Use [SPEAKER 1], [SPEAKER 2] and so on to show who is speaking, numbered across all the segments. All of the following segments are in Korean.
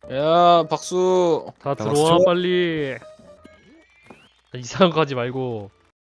[SPEAKER 1] 야, 박수.
[SPEAKER 2] 다
[SPEAKER 3] 박수.
[SPEAKER 2] 들어와 빨리. 이상한 거 하지 말고.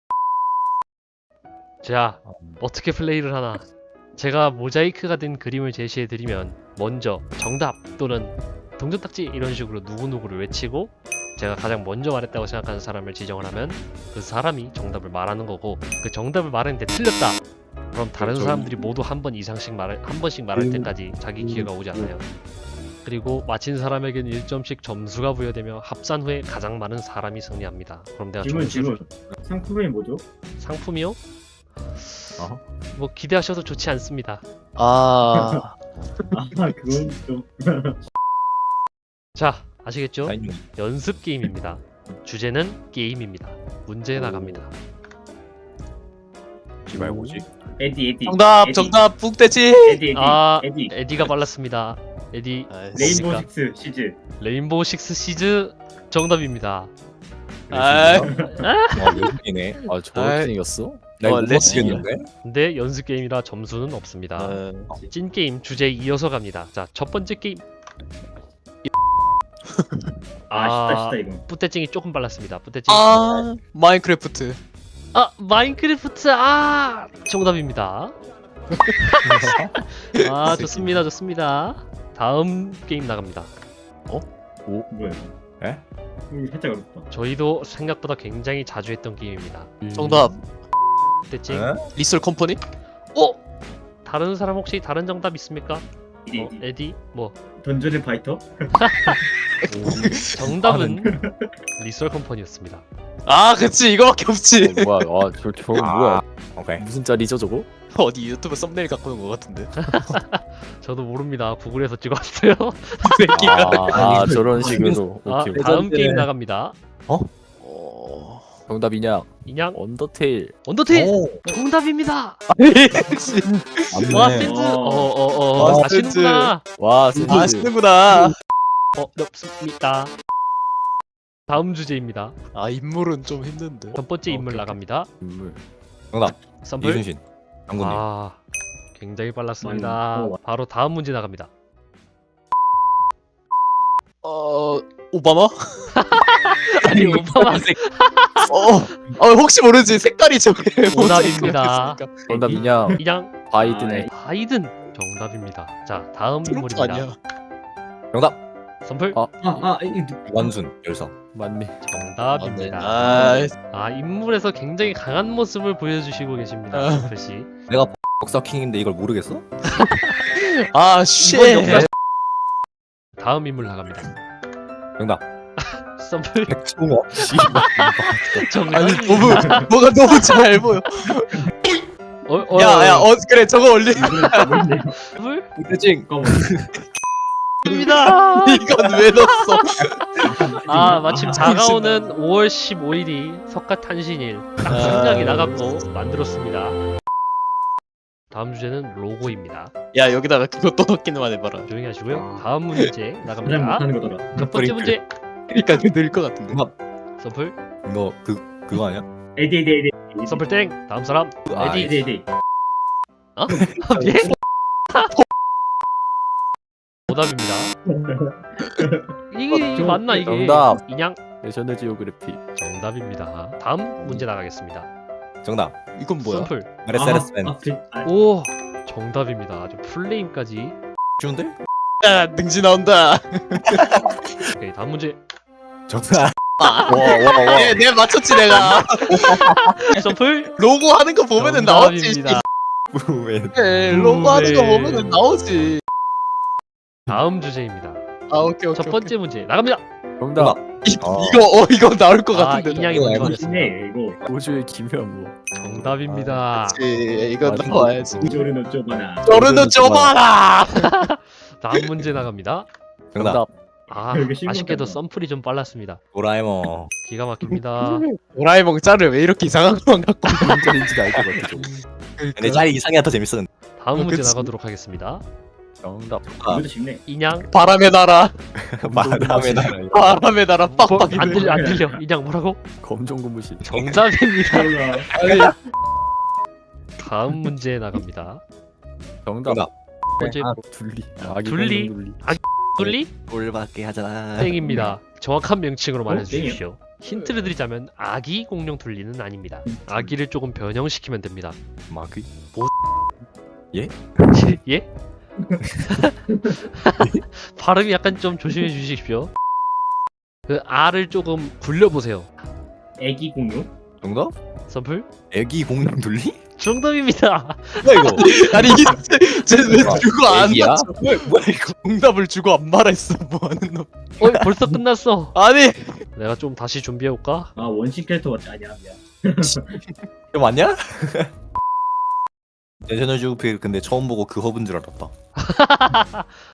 [SPEAKER 2] 자, 어떻게 플레이를 하나? 제가 모자이크가 된 그림을 제시해드리면 먼저 정답 또는 동전딱지 이런 식으로 누구누구를 외치고 제가 가장 먼저 말했다고 생각하는 사람을 지정을 하면 그 사람이 정답을 말하는 거고, 그 정답을 말했는데 틀렸다 그럼 다른 사람들이 모두 한 번씩 말할 때까지 자기 기회가 오지 않아요. 그리고 맞힌 사람에겐 1점씩 점수가 부여되며 합산 후에 가장 많은 사람이 승리합니다. 그럼 내가
[SPEAKER 4] 질문 상품이 뭐죠?
[SPEAKER 2] 상품이요?
[SPEAKER 3] 어허.
[SPEAKER 2] 뭐 기대하셔도 좋지 않습니다.
[SPEAKER 1] 아,
[SPEAKER 4] 그건 좀
[SPEAKER 2] 자, 아시겠죠?
[SPEAKER 3] 아니,
[SPEAKER 2] 연습 게임입니다. 주제는 게임입니다. 문제 나갑니다.
[SPEAKER 3] 씨발 뭐지?
[SPEAKER 4] 에디
[SPEAKER 1] 정답,
[SPEAKER 4] 에디.
[SPEAKER 1] 정답, 북대지.
[SPEAKER 4] 에디
[SPEAKER 2] 아,
[SPEAKER 4] 에디
[SPEAKER 2] 에디가 빨랐습니다. 에디
[SPEAKER 4] 레인보우
[SPEAKER 2] 뭡니까?
[SPEAKER 4] 식스 시즈.
[SPEAKER 2] 레인보우 식스 시즈 정답입니다.
[SPEAKER 1] 아,
[SPEAKER 3] 외국이네. 아
[SPEAKER 1] 아이.
[SPEAKER 3] 저렇게 생겼어? 나 이거 못
[SPEAKER 1] 레스.
[SPEAKER 3] 맞히겠는데?
[SPEAKER 2] 근데 연습 게임이라 점수는 없습니다. 찐 게임 주제 이어서 갑니다. 자, 첫 번째 게임.
[SPEAKER 4] 쉽다 이거.
[SPEAKER 2] 뿌떼찡이 조금 빨랐습니다. 뿌떼찡.
[SPEAKER 1] 아, 마인크래프트.
[SPEAKER 2] 마인크래프트 정답입니다. 좋습니다, 좋습니다. 다음 게임 나갑니다.
[SPEAKER 4] 뭐야?
[SPEAKER 3] 에?
[SPEAKER 4] 살짝 어렵다.
[SPEAKER 2] 저희도 생각보다 굉장히 자주 했던 게임입니다.
[SPEAKER 1] 정답.
[SPEAKER 2] 뿌떼찡.
[SPEAKER 3] 에?
[SPEAKER 1] 리솔 컴퍼니?
[SPEAKER 2] 다른 사람 혹시 다른 정답 있습니까?
[SPEAKER 4] 에디
[SPEAKER 2] 에디? 뭐?
[SPEAKER 4] 던전의 파이터?
[SPEAKER 2] 정답은 리솔 컴퍼니였습니다.
[SPEAKER 1] 아, 그치, 이거밖에 없지.
[SPEAKER 3] 뭐야? 저거 뭐야? 오케이. 무슨 짤이죠 저거?
[SPEAKER 1] 어디 유튜브 썸네일 갖고 온 거 같은데.
[SPEAKER 2] 저도 모릅니다. 구글에서 찍었어요.
[SPEAKER 3] 저런 식으로. 오케이.
[SPEAKER 2] 다음
[SPEAKER 1] 레전드네.
[SPEAKER 2] 게임 나갑니다.
[SPEAKER 1] 어...
[SPEAKER 3] 정답이냐?
[SPEAKER 2] 인양
[SPEAKER 3] 언더테일.
[SPEAKER 2] 언더테일
[SPEAKER 3] 오.
[SPEAKER 2] 정답입니다.
[SPEAKER 3] 맞네.
[SPEAKER 2] 와 센스.
[SPEAKER 1] 아,
[SPEAKER 2] 아시는구나.
[SPEAKER 3] 와 센스.
[SPEAKER 1] 아시는구나.
[SPEAKER 2] 어렵습니다. 다음 주제입니다.
[SPEAKER 1] 아, 인물은 좀 힘든데.
[SPEAKER 2] 첫 번째 인물
[SPEAKER 1] 오케이.
[SPEAKER 2] 나갑니다.
[SPEAKER 3] 인물. 정답.
[SPEAKER 2] 썸플.
[SPEAKER 3] 이순신. 장군님.
[SPEAKER 2] 굉장히 빨랐습니다. 바로 다음 문제 나갑니다.
[SPEAKER 1] 오바마?
[SPEAKER 2] 아니 오바마
[SPEAKER 1] 혹시 모르지. 색깔이 저게
[SPEAKER 2] 오답입니다.
[SPEAKER 3] 정답이냐?
[SPEAKER 2] 인양
[SPEAKER 3] 바이든의.
[SPEAKER 2] 바이든 정답입니다. 자, 다음
[SPEAKER 1] 트럼프
[SPEAKER 2] 인물입니다.
[SPEAKER 1] 아니야?
[SPEAKER 3] 정답.
[SPEAKER 2] 썸플
[SPEAKER 3] 완순 열성.
[SPEAKER 1] 맞네.
[SPEAKER 2] 정답입니다.
[SPEAKER 1] 아,
[SPEAKER 2] 인물에서 굉장히 강한 모습을 보여주시고 계십니다. 썸플 씨.
[SPEAKER 3] 내가 역사킹인데 이걸 모르겠어?
[SPEAKER 1] 쉣.
[SPEAKER 2] 다음 인물 나갑니다.
[SPEAKER 3] 정답.
[SPEAKER 2] 썸플
[SPEAKER 3] 백종원.
[SPEAKER 1] 아니,
[SPEAKER 2] 정답입니다.
[SPEAKER 1] 뭐가 너무 잘 보여. 야, 그래, 저거 올리.
[SPEAKER 2] 썸플
[SPEAKER 3] 대칭.
[SPEAKER 2] 입니다.
[SPEAKER 1] 이건 왜 넣었어?
[SPEAKER 2] 마침 다가오는 5월 15일이 석가탄신일 딱 생각이 나갖고 만들었습니다. 다음 주제는 로고입니다.
[SPEAKER 1] 야, 여기다가 그것도 넣기만 해봐라.
[SPEAKER 2] 조용히 하시고요. 다음 문제
[SPEAKER 4] 가장
[SPEAKER 2] 나갑니다.
[SPEAKER 4] 못하는 거더라.
[SPEAKER 2] 첫 번째 문제.
[SPEAKER 1] 그러니까 늘 것 같은데.
[SPEAKER 2] 서플.
[SPEAKER 3] 너 그거 아니야?
[SPEAKER 4] 에디
[SPEAKER 2] 서플 땡. 다음 사람. 에디.
[SPEAKER 4] 에디
[SPEAKER 2] 예? 오답입니다. 이게 맞나 이게?
[SPEAKER 3] 정답.
[SPEAKER 2] 인양
[SPEAKER 3] 내셔널 지오그래피.
[SPEAKER 2] 정답입니다. 다음 문제 나가겠습니다.
[SPEAKER 3] 정답.
[SPEAKER 1] 이건 뭐야?
[SPEAKER 2] 서플.
[SPEAKER 3] 메르세데스벤.
[SPEAKER 2] 오 정답입니다. 아주 풀네임까지.
[SPEAKER 3] 쉬운데?
[SPEAKER 1] 야, 능지 나온다.
[SPEAKER 2] 오케이 다음 문제.
[SPEAKER 3] 정답.
[SPEAKER 1] 와.
[SPEAKER 3] 와.
[SPEAKER 1] 내가 맞췄지 내가.
[SPEAKER 2] 서플.
[SPEAKER 1] 로고 하는 거 보면은 나오지.
[SPEAKER 2] 정답입니다.
[SPEAKER 1] 로고 하는 거 보면은 나오지.
[SPEAKER 2] 다음 주제입니다.
[SPEAKER 1] 오케이.
[SPEAKER 2] 첫 번째 문제 나갑니다.
[SPEAKER 3] 정답.
[SPEAKER 1] 이거 나올 것 같은데.
[SPEAKER 2] 인양이
[SPEAKER 3] 이거
[SPEAKER 2] 먼저
[SPEAKER 3] 알고
[SPEAKER 2] 하겠습니다.
[SPEAKER 4] 이거
[SPEAKER 3] 우주의 기묘한 뭐.
[SPEAKER 2] 정답입니다.
[SPEAKER 1] 이거
[SPEAKER 3] 맞아.
[SPEAKER 1] 나와야지.
[SPEAKER 4] 조르노 쪼바나.
[SPEAKER 1] 저르는 좁아라.
[SPEAKER 2] 다음 문제 나갑니다.
[SPEAKER 3] 정답.
[SPEAKER 4] 여기 신문
[SPEAKER 2] 아쉽게도
[SPEAKER 4] 같다.
[SPEAKER 2] 썸플이 좀 빨랐습니다.
[SPEAKER 3] 도라에몽.
[SPEAKER 2] 기가 막힙니다.
[SPEAKER 1] 도라에몽 짤을 왜 이렇게 이상한 것만 갖고.
[SPEAKER 3] 무슨 짤인지도 알 것 같아. 좀. 근데 짤이 이상해 더 재밌었는데.
[SPEAKER 2] 다음 문제
[SPEAKER 1] 그치.
[SPEAKER 2] 나가도록 하겠습니다.
[SPEAKER 3] 정답.
[SPEAKER 4] 이것도 쉽네.
[SPEAKER 2] 인양
[SPEAKER 1] 바람의 나라.
[SPEAKER 3] 바람의 나라.
[SPEAKER 1] 바람의 나라
[SPEAKER 2] 안
[SPEAKER 1] 빡빡이들.
[SPEAKER 2] 들려 안 들려. 인양 뭐라고?
[SPEAKER 3] 검정 고무신.
[SPEAKER 2] 정답입니다.
[SPEAKER 4] 몰라.
[SPEAKER 2] 다음 문제 나갑니다.
[SPEAKER 3] 정답.
[SPEAKER 2] 번째
[SPEAKER 3] 둘리.
[SPEAKER 2] 둘리. 뚫리?
[SPEAKER 3] 꼴밖에 하잖아.
[SPEAKER 2] 땡입니다. 정확한 명칭으로
[SPEAKER 4] 어?
[SPEAKER 2] 말해주십시오. 힌트를 드리자면 아기 공룡 둘리는 아닙니다. 아기를 조금 변형시키면 됩니다.
[SPEAKER 3] 마귀?
[SPEAKER 2] 예? 발음이 약간 좀 조심해 주십시오. 그 R을 조금 굴려보세요.
[SPEAKER 4] 애기 공룡?
[SPEAKER 3] 정답?
[SPEAKER 2] 선플?
[SPEAKER 3] 애기 공룡 둘리?
[SPEAKER 2] 정답입니다.
[SPEAKER 3] 뭐야 이거?
[SPEAKER 1] 아니 쟤왜 주고 안
[SPEAKER 3] 애기야?
[SPEAKER 1] 맞춰?
[SPEAKER 3] 뭐야 이거?
[SPEAKER 1] 정답을 주고 안 말했어. 뭐하는 놈?
[SPEAKER 2] 벌써 끝났어.
[SPEAKER 1] 아니
[SPEAKER 2] 내가 좀 다시 준비해올까?
[SPEAKER 4] 아 원신 캐릭터 같지 아니야 미안.
[SPEAKER 3] 이거 맞냐? 내셔널 지오그래픽 근데 처음 보고 그 허브인 줄 알았다.